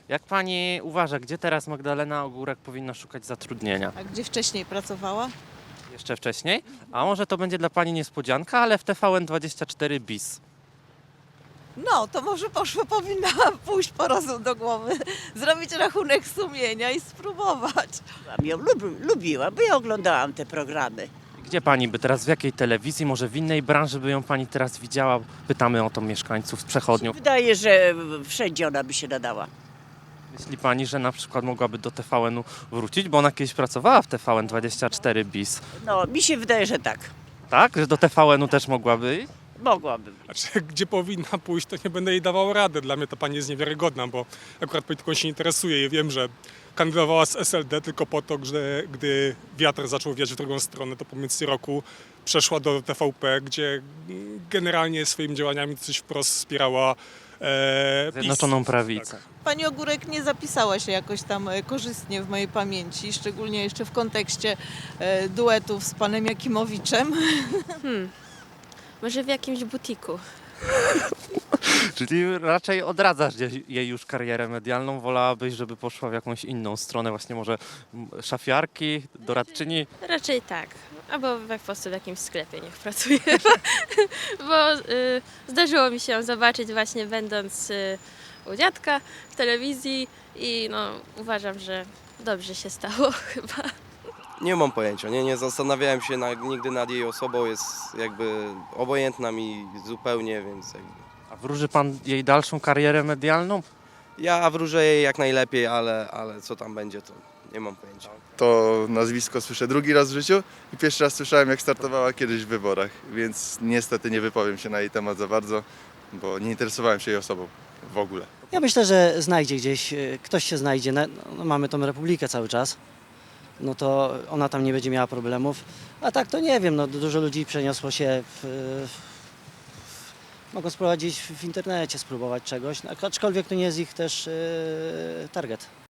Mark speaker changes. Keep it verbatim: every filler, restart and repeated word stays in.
Speaker 1: Jak pani uważa, gdzie teraz Magdalena Ogórek powinna szukać zatrudnienia?
Speaker 2: A gdzie wcześniej pracowała?
Speaker 1: Jeszcze wcześniej? A może to będzie dla pani niespodzianka, ale w T V N dwadzieścia cztery bis.
Speaker 2: No, to może poszło, powinna pójść po rozum do głowy, zrobić rachunek sumienia i spróbować.
Speaker 3: Ja ją lub, lubiłam, bo ja oglądałam te programy.
Speaker 1: Gdzie pani by teraz, w jakiej telewizji, może w innej branży by ją pani teraz widziała? Pytamy o to mieszkańców z przechodniów.
Speaker 3: Wydaje, że wszędzie ona by się nadała.
Speaker 1: Myśli pani, że na przykład mogłaby do T V N-u wrócić, bo ona kiedyś pracowała w T V N dwadzieścia cztery bis.
Speaker 3: No, mi się wydaje, że tak.
Speaker 1: Tak? Że do T V N-u też mogłaby iść?
Speaker 3: Mogłaby być.
Speaker 4: Znaczy, gdzie powinna pójść, to nie będę jej dawał rady. Dla mnie to pani jest niewiarygodna, bo akurat polityką się interesuje i wiem, że kandydowała z S L D tylko po to, że gdy wiatr zaczął wiać w drugą stronę, to po między roku przeszła do T V P, gdzie generalnie swoimi działaniami coś wprost wspierała e, PiS.
Speaker 1: Zjednoczoną prawicę.
Speaker 4: Tak.
Speaker 2: Pani Ogórek nie zapisała się jakoś tam e, korzystnie w mojej pamięci, szczególnie jeszcze w kontekście e, duetów z panem Jakimowiczem.
Speaker 5: Hmm. Może w jakimś butiku.
Speaker 1: Czyli raczej odradzasz jej- jej już karierę medialną, wolałabyś, żeby poszła w jakąś inną stronę, właśnie może m, szafiarki, doradczyni.
Speaker 5: Raczej tak. Albo po prostu w jakimś sklepie niech pracuje. Bo y, zdarzyło mi się ją zobaczyć właśnie będąc y, u dziadka w telewizji i no uważam, że dobrze się stało chyba.
Speaker 6: Nie mam pojęcia, nie, nie zastanawiałem się na, nigdy nad jej osobą, jest jakby obojętna mi zupełnie, więc jakby.
Speaker 1: A wróży pan jej dalszą karierę medialną?
Speaker 6: Ja wróżę jej jak najlepiej, ale, ale co tam będzie, to nie mam pojęcia.
Speaker 7: To nazwisko słyszę drugi raz w życiu i pierwszy raz słyszałem, jak startowała kiedyś w wyborach, więc niestety nie wypowiem się na jej temat za bardzo, bo nie interesowałem się jej osobą w ogóle.
Speaker 8: Ja myślę, że znajdzie gdzieś, y, ktoś się znajdzie. Na- No, mamy tą Republikę cały czas, no to ona tam nie będzie miała problemów. A tak to nie wiem, no dużo ludzi przeniosło się w, w mogą spróbować gdzieś w internecie spróbować czegoś, no, aczkolwiek to nie jest ich też y, target.